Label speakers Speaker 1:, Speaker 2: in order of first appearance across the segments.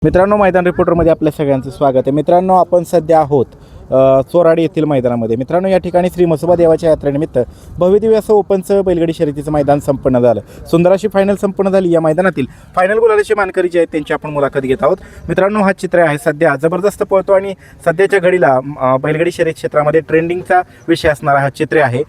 Speaker 1: मित्रांनो, मैदान रिपोर्टरमध्ये आपल्या सगळ्यांचं स्वागत आहे. मित्रांनो, आपण सध्या आहोत चोराडी येथील मैदानामध्ये. मित्रांनो, या ठिकाणी श्री म्हसोबा देवाच्या यात्रेनिमित्त भव्यदिव्य असं ओपनचं बैलगाडी शर्यतीचं मैदान संपन्न झालं. सुंदर अशी फायनल संपन्न झाली. या मैदानातील फायनल गुलालाचे मानकरी जे आहेत त्यांची आपण मुलाखत घेत आहोत. मित्रांनो, हा चित्र आहे सध्या जबरदस्त पळतो आणि सध्याच्या घडीला बैलगाडी शर्यत क्षेत्रामध्ये ट्रेंडिंगचा विषय असणारा हा चित्र आहे.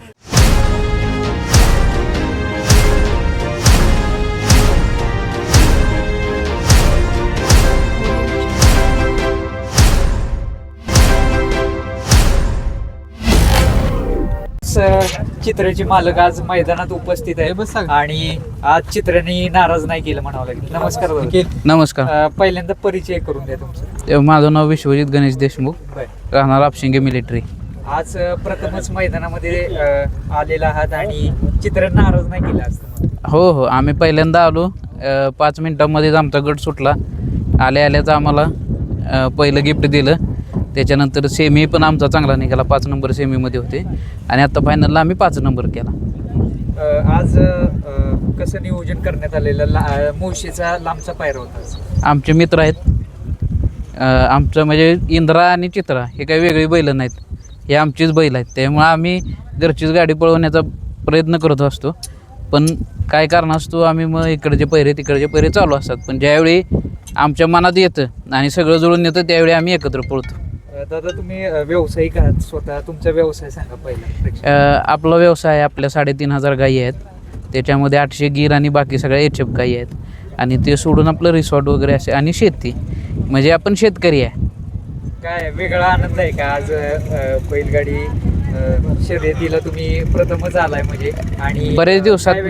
Speaker 2: चित्राचे मालक आज मैदानात उपस्थित आहे आणि आज चित्राने नाराज नाही केलं म्हणावं लागेल. नमस्कार दादा.
Speaker 3: नमस्कार.
Speaker 2: पहिल्यांदा परिचय करून द्या तुमचा.
Speaker 3: माझं नाव विश्वजित गणेश देशमुख, राहणार आपशिंगे मिलिटरी.
Speaker 2: आज प्रथमच मैदानामध्ये आलेला आहात आणि चित्र नाराज नाही केलं असतं.
Speaker 3: हो हो, आम्ही पहिल्यांदा आलो. 5 मिनिटांमध्येच आमचा गट सुटला. आल्याच आम्हाला पहिलं गिफ्ट दिलं. त्याच्यानंतर सेमी पण आमचा चांगला निघाला. 5 नंबर सेमीमध्ये होते आणि आता फायनलला आम्ही 5 नंबर केला.
Speaker 2: आज कसं नियोजन करण्यात आलेलं? मुळशीचा लांबचा पायरा होता.
Speaker 3: आमचे मित्र आहेत. आमचं म्हणजे इंद्रा आणि चित्रा हे काही वेगळी बैल नाहीत, हे आमचीच बैल आहेत. त्यामुळे आम्ही घरचीच गाडी पळवण्याचा प्रयत्न करत असतो. पण काय कारण असतो, आम्ही मग इकडचे पहिरे तिकडचे पहिरे चालू असतात. पण ज्यावेळी आमच्या मनात येतं आणि सगळं जुळून येतं त्यावेळी आम्ही एकत्र पळतो.
Speaker 2: दादा, तुम्ही व्यावसायिक आहात स्वतः. तुमचा व्यवसाय सांगा पहिला.
Speaker 3: आपला व्यवसाय आहे. आपल्या 3,500 गायी आहेत. त्याच्यामध्ये 800 गीर आणि बाकी सगळ्या एचएफ गायी आहेत. आणि ते सोडून आपलं रिसॉर्ट वगैरे असे आणि शेती, म्हणजे आपण शेतकरी आहे.
Speaker 2: काय वेगळा आनंद आहे का आज बैलगाडी शर्यतीला तुम्ही प्रथमच आलाय म्हणजे? आणि
Speaker 3: बरेच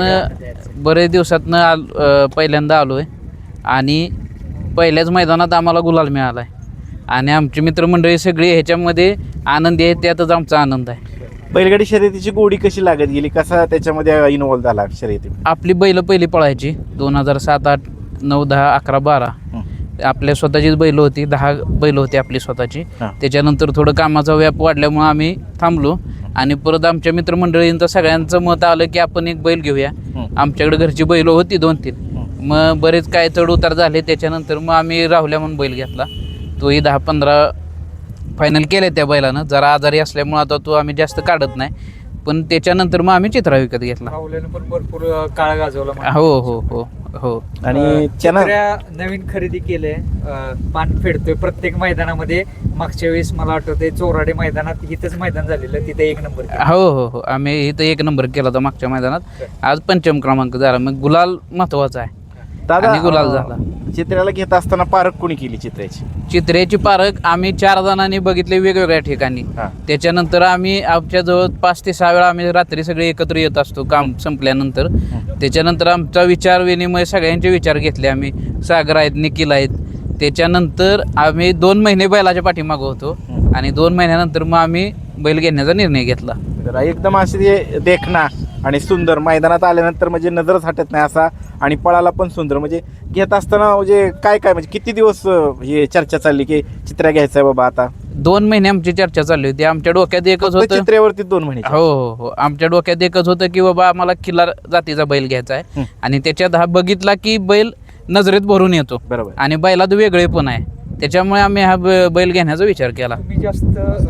Speaker 3: दिवसातनं पहिल्यांदा आलो आहे आणि पहिल्याच मैदानात आम्हाला गुलाल मिळाला आहे. आणि आमची मित्रमंडळी सगळी ह्याच्यामध्ये आनंदी आहे. त्यातच आमचा आनंद आहे.
Speaker 1: बैलगाडी शर्यतीची गोडी कशी लागत गेली, कसा त्याच्यामध्ये इन्व्हॉल्व झाला शर्यती?
Speaker 3: आपली बैल पहिली पळायची 2007, 8, 9, 10, 11, 12 आपल्या स्वतःचीच बैल होती. 10 बैल होती आपली स्वतःची. त्याच्यानंतर थोडं कामाचा व्याप वाढल्यामुळं आम्ही थांबलो आणि परत आमच्या मित्रमंडळींचं सगळ्यांचं मत आलं की आपण एक बैल घेऊया. आमच्याकडे घरची बैल होती 2-3. मग बरेच काय चढ उतार झाले. त्याच्यानंतर मग आम्ही राहुल्या म्हणून बैल घेतला. तोही 10-15 फायनल केले त्या बैलानं. जरा आजारी असल्यामुळं आता तो आम्ही जास्त काढत नाही. पण त्याच्यानंतर मग आम्ही चित्रा विकत घेतला.
Speaker 2: पण भरपूर काळ गाजवला.
Speaker 3: हो हो हो हो.
Speaker 1: आणि
Speaker 2: नवीन खरेदी केले, पान फेडतोय प्रत्येक मैदानामध्ये. मागच्या वेळेस मला आठवतंय चोराडे मैदानात इथंच मैदान झालेलं, तिथे 1 नंबर.
Speaker 3: हो हो हो, आम्ही इथं 1 नंबर केला होता मागच्या मैदानात. आज 5वा क्रमांक झाला. मग गुलाल महत्वाचा आहे.
Speaker 1: दादा,
Speaker 3: गुलाल झाला.
Speaker 1: चित्र्याला घेत असताना पारख कोणी केली चित्र्याची?
Speaker 3: चित्र्याची पारख आम्ही 4 जणांनी बघितले वेगवेगळ्या ठिकाणी. त्याच्यानंतर आम्ही आमच्या जवळ 5 ते 6 वेळा आम्ही रात्री सगळे एकत्र येत असतो काम संपल्यानंतर. त्याच्यानंतर आमचा विचार विनिमय, सगळ्यांचे विचार घेतले आम्ही. सागर आहेत, निखिल आहेत. त्याच्यानंतर आम्ही 2 महिने बैलाच्या पाठीमागं होतो आणि 2 महिन्यानंतर मग आम्ही बैल घेण्याचा निर्णय घेतला.
Speaker 1: एकदम अशी देखना आणि सुंदर मैदानात आल्यानंतर म्हणजे नजरच हटत नाही असा, आणि पळाला पण सुंदर. म्हणजे घेत असताना म्हणजे काय म्हणजे किती दिवस हे चर्चा चालली की चित्रा घ्यायचं आहे बाबा? आता
Speaker 3: 2 महिने आमची चर्चा चालली होती. आमच्या डोक्यात एकच होतं,
Speaker 1: चित्र्यावरती 2 महिने.
Speaker 3: हो हो हो, आमच्या डोक्यात एकच होतं की बाबा आम्हाला खिल्लार जातीचा बैल घ्यायचा आहे. आणि त्याच्यात हा बघितला की बैल नजरेत भरून येतो.
Speaker 1: बरोबर.
Speaker 3: आणि बैलात वेगळे पण आहे. त्याच्यामुळे आम्ही हा बैल घेण्याचा विचार केला.
Speaker 2: तुम्ही जास्त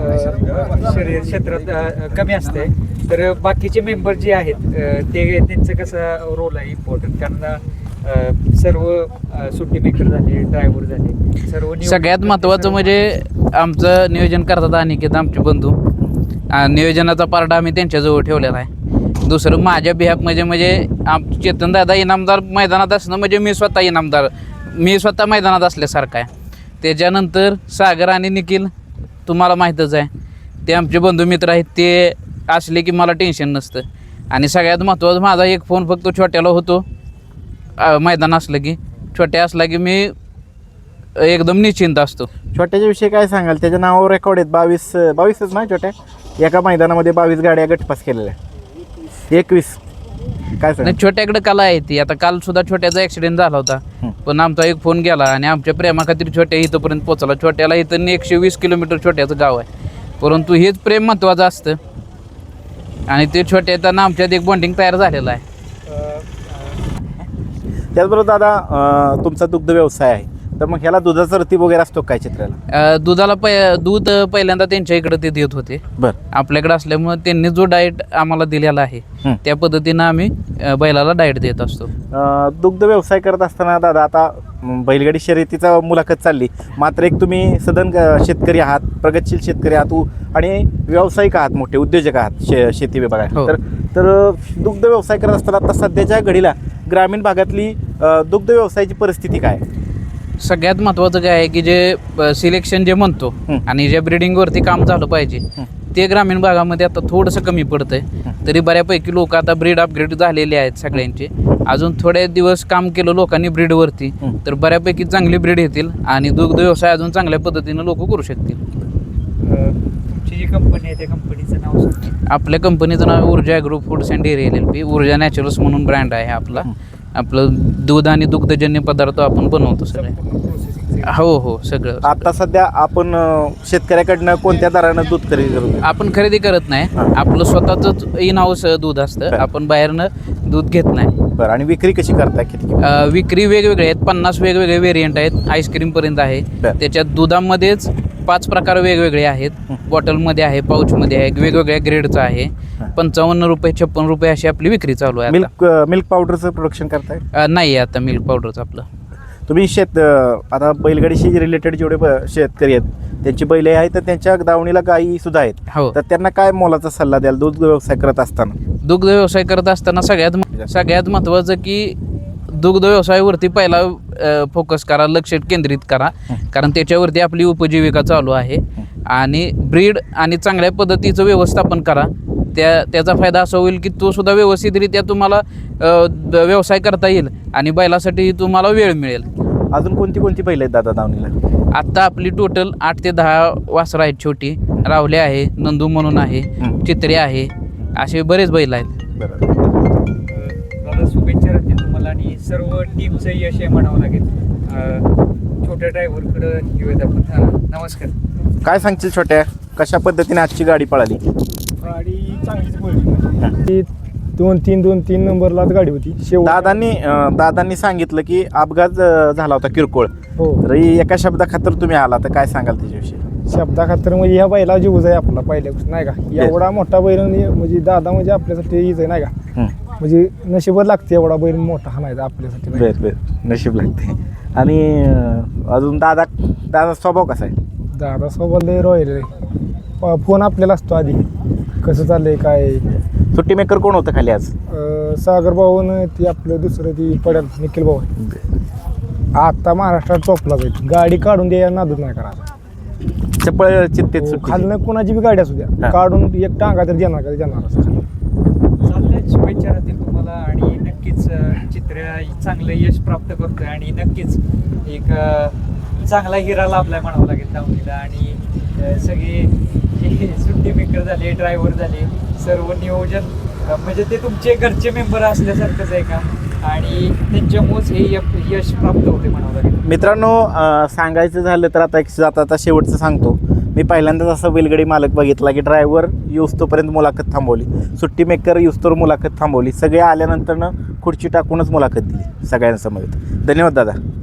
Speaker 2: शर्यत क्षेत्रात कमी असते, तर बाकीचे मेंबर जे आहेत ते त्यांचं कसं रोल आहे इम्पॉर्टंट? कारण सर्व सुट्टी मेकर झाले, ड्रायव्हर झाले, सर्व
Speaker 3: सगळ्यात महत्त्वाचं म्हणजे आमचं नियोजन करतात अनिकेत, आमचे बंधू. नियोजनाचा पार्ट आम्ही त्यांच्याजवळ ठेवलेला आहे. दुसरं माझ्या बिहाफ म्हणजे चेतन दादा इनामदार मैदानात असणं म्हणजे मी स्वतः मैदानात असल्यासारखं आहे. त्याच्यानंतर सागर आणि निखिल तुम्हाला माहीतच आहे, ते आमचे बंधू मित्र आहेत. ते असले की मला टेन्शन नसतं. आणि सगळ्यात महत्त्वाचं माझा एक फोन फक्त छोट्याला होतो. मैदान असलं की, छोट्या असला की मी एकदम निश्चिंत असतो.
Speaker 1: छोट्याच्या विषयी काय सांगाल? त्याच्या नावावर रेकॉर्ड आहेत 22च ना छोट्या. एका मैदानामध्ये 22 गाड्या गटपास केलेल्या, 21. काय सांग?
Speaker 3: छोट्याकडे कला आहे ती. आता काल सुद्धा छोट्याचा ॲक्सिडेंट झाला होता, पण आमचा एक फोन गेला आणि आमच्या प्रेमाखातीर छोट्या इथंपर्यंत पोहोचला. छोट्याला इथं 120 किलोमीटर छोट्याचं गाव आहे, परंतु हेच प्रेम महत्त्वाचं असतं. आणि ते छोट्याचा आमच्यात एक बॉन्डिंग तयार झालेला आहे.
Speaker 1: त्याचबरोबर दादा, तुमचा दुग्ध व्यवसाय आहे. तर मग ह्याला दुधाचा रतीब वगैरे असतो काय चित्राला?
Speaker 3: दुधाला दूध पहिल्यांदा त्यांच्या इकडे ते देत होते.
Speaker 1: बरं.
Speaker 3: आपल्याकडे असल्यामुळे त्यांनी जो डाएट आम्हाला दिलेला आहे त्या पद्धतीनं आम्ही बैलाला डाएट देत असतो.
Speaker 1: दुग्ध व्यवसाय करत असताना दादा आता बैलगाडी शर्यतीचा मुलाखत चालली, मात्र एक तुम्ही सदन शेतकरी आहात, प्रगतशील शेतकरी आहात आणि व्यावसायिक आहात, मोठे उद्योजक आहात शेती विभागात.
Speaker 3: हो.
Speaker 1: तर दुग्ध व्यवसाय करत असताना आता सध्याच्या घडीला ग्रामीण भागातली दुग्ध व्यवसायाची परिस्थिती काय?
Speaker 3: सगळ्यात महत्त्वाचं काय आहे की जे सिलेक्शन जे म्हणतो आणि जे ब्रिडिंगवरती काम झालं पाहिजे ते ग्रामीण भागामध्ये आता थोडंसं कमी पडतंय. तरी बऱ्यापैकी लोक आता ब्रीड अपग्रेड झालेले आहेत सगळ्यांचे. अजून थोडे दिवस काम केलं लोकांनी ब्रीडवरती तर बऱ्यापैकी चांगली ब्रीड येतील आणि दुग्ध व्यवसाय अजून चांगल्या पद्धतीनं लोक करू शकतील.
Speaker 2: तुमची जी कंपनी आहे त्या कंपनीचं नाव सांगा.
Speaker 3: आपल्या कंपनीचं नाव Urja agro foods and dairy LLP. Urja naturals म्हणून ब्रँड आहे आपला. आपलं दूध आणि दुग्धजन्य पदार्थ आपण बनवतो सगळे. हो हो सगळं.
Speaker 1: आता सध्या आपण शेतकऱ्याकडनं कोणत्या दरानं दूध खरेदी करतो?
Speaker 3: आपण खरेदी करत नाही. आपलं स्वतःच इन हाऊस दूध असतं. आपण बाहेरनं दूध घेत नाही.
Speaker 1: बरं. आणि विक्री कशी करताय? किती?
Speaker 3: विक्री वेगवेगळे आहेत. 50 वेगवेगळे व्हेरियंट आहेत. आईस्क्रीमपर्यंत आहे. त्याच्यात दुधामध्येच 5 प्रकार वेगवेगळे आहेत. बॉटलमध्ये आहे, पाऊचमध्ये आहे, वेगवेगळ्या ग्रेडचं आहे. 55 रुपये 56 रुपये अशी आपली विक्री चालू आहे.
Speaker 1: मिल्क पावडरचं प्रोडक्शन करताय?
Speaker 3: नाही आता मिल्क पावडरचं आपलं.
Speaker 1: तुम्ही आता बैलगाडीशी रिलेटेड जेवढे शेतकरी आहेत त्यांची बैल आहेत तर त्यांच्या दावणीला गायी सुद्धा आहेत.
Speaker 3: हो.
Speaker 1: तर त्यांना काय मोलाचा सल्ला द्याल दूध व्यवसाय करत असताना?
Speaker 3: दुग्ध व्यवसाय करत असताना सगळ्यात महत्त्वाचं की दुग्ध व्यवसायावरती पहिला फोकस करा, लक्ष केंद्रित करा, कारण त्याच्यावरती आपली उपजीविका चालू आहे. आणि ब्रीड आणि चांगल्या पद्धतीचं व्यवस्थापन करा. त्याचा फायदा असा होईल की तो सुद्धा व्यवस्थितरित्या तुम्हाला व्यवसाय करता येईल आणि बैलासाठी तुम्हाला वेळ मिळेल.
Speaker 1: अजून कोणती कोणती बैल आहेत दादा दावणीला?
Speaker 3: आत्ता आपली टोटल 8 ते 10 वासरं आहेत. छोटी रावले आहे, नंदू म्हणून आहे, चित्रे आहे, असे बरेच बैल आहेत.
Speaker 2: दादा शुभेच्छा राहतील तुम्हाला आणि सर्व टीमचं यश आहे म्हणावं लागेल. छोट्या ड्रायव्हरकडे घेऊयात आपण. नमस्कार.
Speaker 1: काय सांगशील छोट्या, कशा पद्धतीने आजची गाडी पळाली?
Speaker 4: गाडी चांगलीच पडली. 2-3 नंबरलाच गाडी होती.
Speaker 1: दादांनी सांगितलं की अपघात झाला होता किरकोळ.
Speaker 4: हो.
Speaker 1: तर एका शब्दाखातर तुम्ही आला, तर काय सांगाल त्याच्याविषयी?
Speaker 4: शब्दाखातर म्हणजे ह्या बैला जीवच आहे आपला पहिल्यापासून नाही का. एवढा मोठा बैल म्हणजे दादा म्हणजे आपल्यासाठी हीच आहे नाही का. म्हणजे नशीबच लागते एवढा बैल मोठा हा नाही आपल्यासाठी.
Speaker 1: बर नशीब लागते. आणि अजून दादा स्वभाव कसा आहे?
Speaker 4: दादा सोबत लय रॉयल आहे. फोन आपल्याला असतो आधी कसं चाललंय काय.
Speaker 1: सुट्टी मेकर कोण होतं खाली आज?
Speaker 4: सागर भाऊन ती आपलं दुसरं ती पडेल निखिल भाऊ. आता महाराष्ट्रात टॉपला जाईल. गाडी काढून द्या नादूच नाही करायचा.
Speaker 1: चपळ चित्तेत सुट्टी.
Speaker 4: खालनं कोणाची बी गाडी असू द्या काढून एक टांगा तर देणार का देणार.
Speaker 2: चालतंय. शुभेच्छा राहतील तुम्हाला आणि नक्कीच चित्र चांगलं यश प्राप्त करतोय आणि नक्कीच एक चांगला हिरा लाभलाय म्हणावं लागेल दावणीला. आणि सगळे जे सुट्टी मेकर झाले, ड्रायव्हर झाले, सर्व नियोजन म्हणजे ते तुमचे घरचे मेंबर असल्यासारखंच आहे काम आणि त्यांच्यामुळेच हे यश प्राप्त होते म्हणावं लागेल.
Speaker 1: मित्रांनो, सांगायचं झालं तर आता शेवटचं सांगतो. मी पहिल्यांदाच असं बैलगाडी मालक बघितला की ड्रायव्हर युस्तोपर्यंत मुलाखत थांबवली, सुट्टी मेकर युस्तोवर मुलाखत थांबवली, सगळे आल्यानंतरनं खुर्ची टाकूनच मुलाखत दिली सगळ्यांसमोर. धन्यवाद दादा.